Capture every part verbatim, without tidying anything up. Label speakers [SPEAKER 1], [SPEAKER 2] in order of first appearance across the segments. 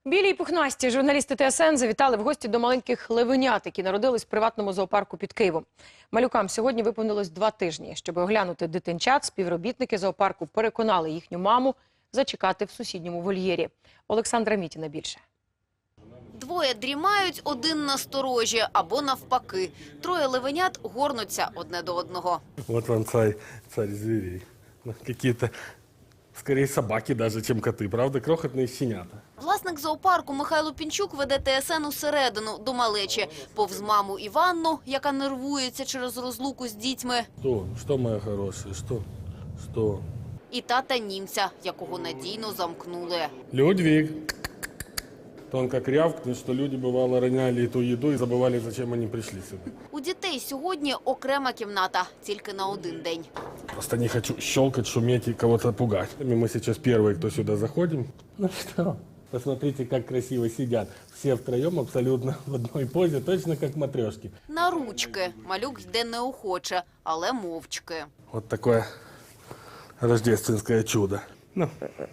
[SPEAKER 1] Білі й пухнасті журналісти Т С Н завітали в гості до маленьких левенят, які народились в приватному зоопарку під Києвом. Малюкам сьогодні виповнилось два тижні. Щоб оглянути дитинчат, співробітники зоопарку переконали їхню маму зачекати в сусідньому вольєрі. Олександра Мітіна більше.
[SPEAKER 2] Двоє дрімають, один насторожі або навпаки. Троє левенят горнуться одне до одного.
[SPEAKER 3] Вот вам царь, царь зверей. Какие-то, скорее, собаки даже, чем коты, правда? Крохотные щенята.
[SPEAKER 2] Власник зоопарку Михайло Пінчук веде Т С Н усередину, до малечі. Повз маму Іванну, яка нервується через розлуку з дітьми.
[SPEAKER 3] Что? Что, моя хорошая? Что? Что?
[SPEAKER 2] І тата німця, якого надійно замкнули.
[SPEAKER 3] Людвиг. Он как рявкнет, что люди, бывало, роняли эту еду и забывали, зачем они пришли сюда.
[SPEAKER 2] У дітей сьогодні окрема кімната, тільки на один день.
[SPEAKER 3] Просто не хочу щелкать, шуметь и кого-то пугать. Мы сейчас первые, кто сюда заходим. Ну что? Посмотрите, как красиво сидят. Все втроем абсолютно в одной позе, точно как матрешки.
[SPEAKER 2] На ручки. Малюк йде неохоче, але мовчки.
[SPEAKER 3] Вот такое рождественское чудо. Ну,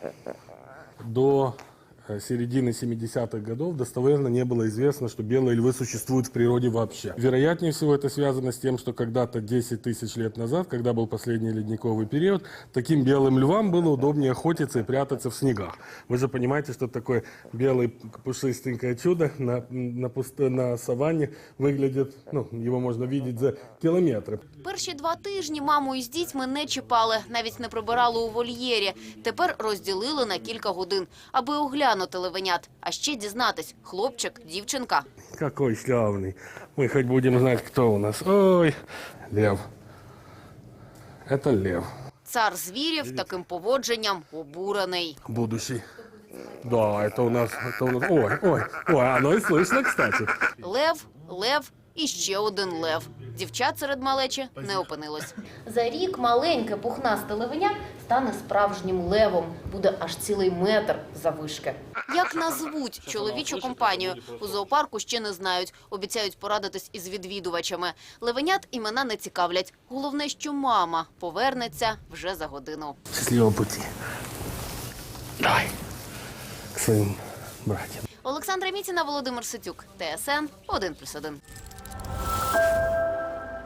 [SPEAKER 3] до середины семидесятых годов достоверно не было известно, что белые львы существуют в природе вообще. Вероятнее всего это связано с тем, что когда-то десять тысяч лет назад, когда был последний ледниковый период, таким белым львам было удобнее охотиться и прятаться в снегах. Вы же понимаете, что такое белое пушистенькое чудо на, на, пусто, на саванне выглядит, ну, его можно видеть за километры.
[SPEAKER 2] Перші два тижні маму із дітьми не чіпали, навіть не прибирали у вольєрі. Тепер розділили на кілька годин, аби оглянути левенят. А ще дізнатись – хлопчик, дівчинка.
[SPEAKER 3] Какой славный. Мы хоть будем знать, кто у нас. Ой, лев. Это лев.
[SPEAKER 2] Цар звірів таким поводженням обурений.
[SPEAKER 3] Будущий. Да, это у нас, это у нас. Ой, ой, ой, оно и слышно, кстати.
[SPEAKER 2] Лев, лев і ще один лев. Дівчат серед малечі не опинилось. За рік маленьке пухнасте левеня стане справжнім левом. Буде аж цілий метр заввишки. Як назвуть чоловічу компанію? У зоопарку ще не знають. Обіцяють порадитись із відвідувачами. Левенят імена не цікавлять. Головне, що мама повернеться вже за годину.
[SPEAKER 3] Счастливого пути. Давай. К своим братьям.
[SPEAKER 2] Олександра Мітіна, Володимир Ситюк. Т С Н один плюс один.